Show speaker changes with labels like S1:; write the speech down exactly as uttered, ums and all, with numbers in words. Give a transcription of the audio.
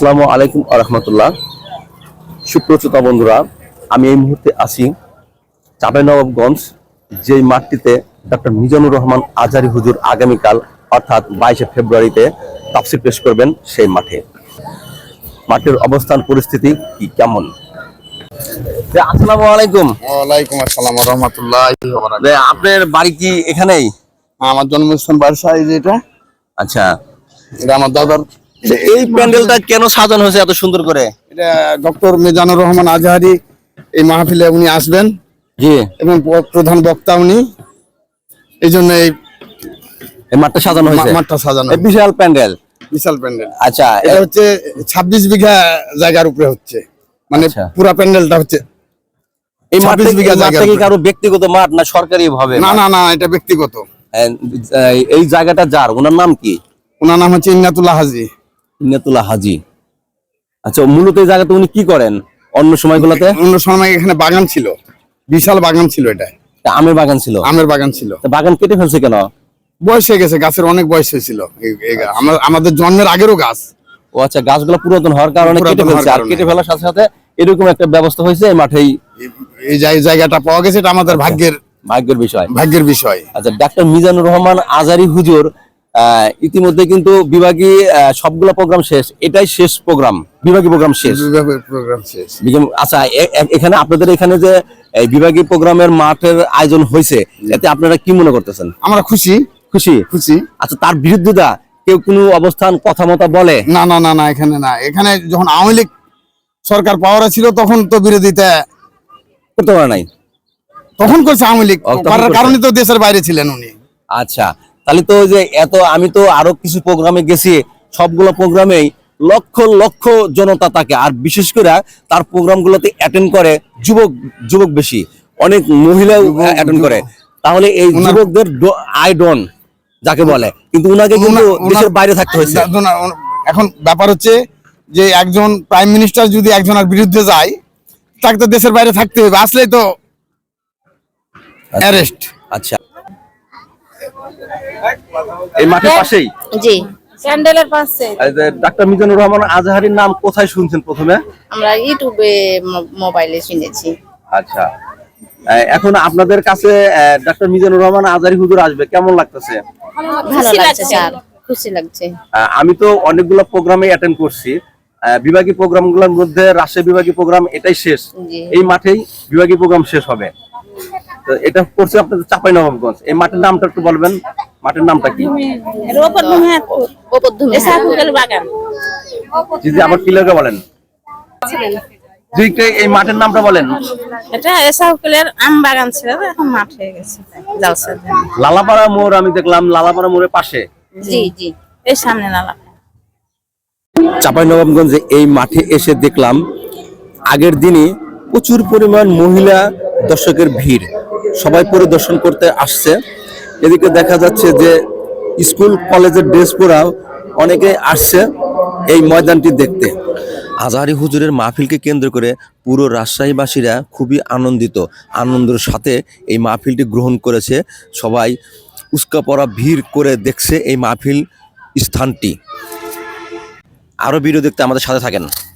S1: আসসালামু আলাইকুম ওয়া রাহমাতুল্লাহ। সুপ্রতিত বন্ধুরা, আমি এই মুহূর্তে আছি চাঁপাইনবাবগঞ্জ, যেই মাঠটিতে ডক্টর মিজানুর রহমান আজহারী হুজুর আগামীকাল অর্থাৎ বাইশে ফেব্রুয়ারিতে তাফসীর পেশ করবেন। সেই মাঠে মাঠের অবস্থান পরিস্থিতি কি কেমন? আসসালামু আলাইকুম।
S2: ওয়ালাইকুম আসসালাম ওয়া রাহমাতুল্লাহি ওয়া বারাকাতুহু।
S1: আপনার বাড়ি কি এখানেই?
S2: আমার জন্মস্থান বারসা। এই যে এটা
S1: আচ্ছা,
S2: এটা আমার দাদার।
S1: এই প্যান্ডেলটা কেন সাজানো হয়েছে এত সুন্দর করে?
S2: এটা ডক্টর মিজানুর রহমান আজহারী এই মাহফিলে উনি আসবেন,
S1: জি,
S2: এবং প্রধান বক্তা উনি। এই জন্য এই
S1: মাঠটা সাজানো হয়েছে।
S2: মাঠটা সাজানো
S1: বিশাল প্যান্ডেল,
S2: বিশাল প্যান্ডেল।
S1: আচ্ছা,
S2: এটা হচ্ছে ছাব্বিশ বিঘা জায়গার উপরে হচ্ছে, মানে পুরো প্যান্ডেলটা হচ্ছে
S1: এই মাঠটা কি কারো ব্যক্তিগত মাঠ না সরকারি ভাবে?
S2: না না না, এটা ব্যক্তিগত।
S1: এই জায়গাটা যার, ওনার নাম কি?
S2: ওনার নাম হচ্ছে ইন্নাতুল্লাহ হাজী।
S1: ইন্নাতুল্লাহ হাজী। আচ্ছা, মূলত এই জায়গাতে উনি কি করেন অন্য সময়গুলোতে?
S2: অন্য সময় এখানে বাগান ছিল, বিশাল বাগান ছিল। এটা
S1: আমের বাগান ছিল।
S2: আমের বাগান ছিল।
S1: বাগান কেটে ফেলছে কেন?
S2: বয়স হয়ে গেছে, গাছের অনেক বয়স হয়েছিল। আমাদের জন্মের আগেরও গাছ।
S1: ও আচ্ছা, গাছগুলো পুরাতন হওয়ার কারণে কেটে ফেলছে। আর কেটে ফেলার সাথে সাথে এরকম একটা ব্যবস্থা হয়েছে এই মাঠেই।
S2: এই জায়গাটা পাওয়া গেছে, এটা আমাদের ভাগ্যের
S1: ভাগ্যের বিষয়।
S2: ভাগ্যের বিষয়।
S1: আচ্ছা, ডাক্তার মিজানুর রহমান আজহারী হুজুর ইতিমধ্যে কিন্তু বিভাগীয় সবগুলো প্রোগ্রাম শেষ, এটাই শেষ প্রোগ্রাম, বিভাগীয় প্রোগ্রাম শেষ।
S2: প্রোগ্রাম শেষ।
S1: আচ্ছা, এখানে আপনাদের এখানে যে বিভাগীয় প্রোগ্রামের মাঠের আয়োজন হয়েছে, এতে আপনারা কি মনে করতেছেন?
S2: আমরা খুশি
S1: খুশি
S2: খুশি
S1: আচ্ছা, তার বিরুদ্ধতা কেউ কোনো অবস্থান কথা মতো বলে?
S2: না না না না, এখানে না। এখানে যখন আওয়ামী লীগ সরকার পাওয়ারে ছিল তখন তো বিরোধিতা
S1: করতে পারে নাই,
S2: তখন করছে আওয়ামী লীগ, করার কারণে তো দেশের বাইরে ছিলেন উনি।
S1: আচ্ছা, তাহলে তো যে এত, আমি তো আরো কিছু প্রোগ্রামে গেছি, সবগুলো প্রোগ্রামেই লক্ষ লক্ষ জনতা থাকে, আর বিশেষ করে তার প্রোগ্রামগুলোতে অ্যাটেন্ড করে যুবক যুবক বেশি, অনেক মহিলাও অ্যাটেন্ড করে। তাহলে এই যুবকদের আইডন যাকে বলে, কিন্তু উনাকে কিন্তু দেশের বাইরে থাকতে হয়েছে।
S2: এখন ব্যাপার হচ্ছে যে একজন প্রাইম মিনিস্টার যদি একজনের বিরুদ্ধে যায়, তাকে তো দেশের বাইরে থাকতে হবে, আসলেই তো অ্যারেস্ট।
S1: আচ্ছা, এই মাঠের পাশেই?
S3: জি, স্যান্ডেলের পাশে।
S1: ডাক্তার মিজানুর রহমান আজহারীর নাম কোথায় শুনছেন প্রথমে?
S3: আমরা ইউটিউবে, মোবাইলে শুনেছি।
S1: আচ্ছা, এখন আপনাদের কাছে ডাক্তার মিজানুর রহমান আজহারী হুজুর আসবে, কেমন লাগতেছে?
S3: ভালো লাগছে স্যার, খুশি লাগছে।
S1: আমি তো অনেকগুলো প্রোগ্রামে অ্যাটেন্ড করছি, বিভাগীয় প্রোগ্রামগুলোর মধ্যে রাজশাহী বিভাগীয় প্রোগ্রাম এটাই শেষ। এই মাঠেই বিভাগীয় প্রোগ্রাম শেষ হবে। তো এটা করছে আপনাদের চাঁপাইনবাবগঞ্জ। এই মাঠের নামটা একটু বলবেন, মাঠের নামটা কি? জি, আবার ক্লিয়ার বলেন। এই মাঠের নামটা বলেন।
S3: এটা এসাউকেলের আম বাগান ছিল, এখন মাঠ হয়ে গেছে।
S1: লালাপাড়া মোড় আমি দেখলাম, লালাপাড়া মোড়ের পাশে।
S3: জি জি, এই সামনে লালা।
S1: চাঁপাইনবাবগঞ্জে এই মাঠে এসে দেখলাম আগের দিনই প্রচুর পরিমাণ মহিলা দর্শকের ভিড়, সবাই পরিদর্শন করতে আসছে। এদিকে দেখা যাচ্ছে যে স্কুল কলেজের ড্রেস পরাও অনেকে আসছে এই ময়দানটি দেখতে। আজহারী হুজুরের মাহফিলকে কেন্দ্র করে পুরো রাজশাহীবাসীরা খুবই আনন্দিত, আনন্দের সাথে এই মাহফিলটি গ্রহণ করেছে। সবাই উস্কা পড়া ভিড় করে দেখছে এই মাহফিল স্থানটি। আরও ভিডিও দেখতে আমাদের সাথে থাকেন।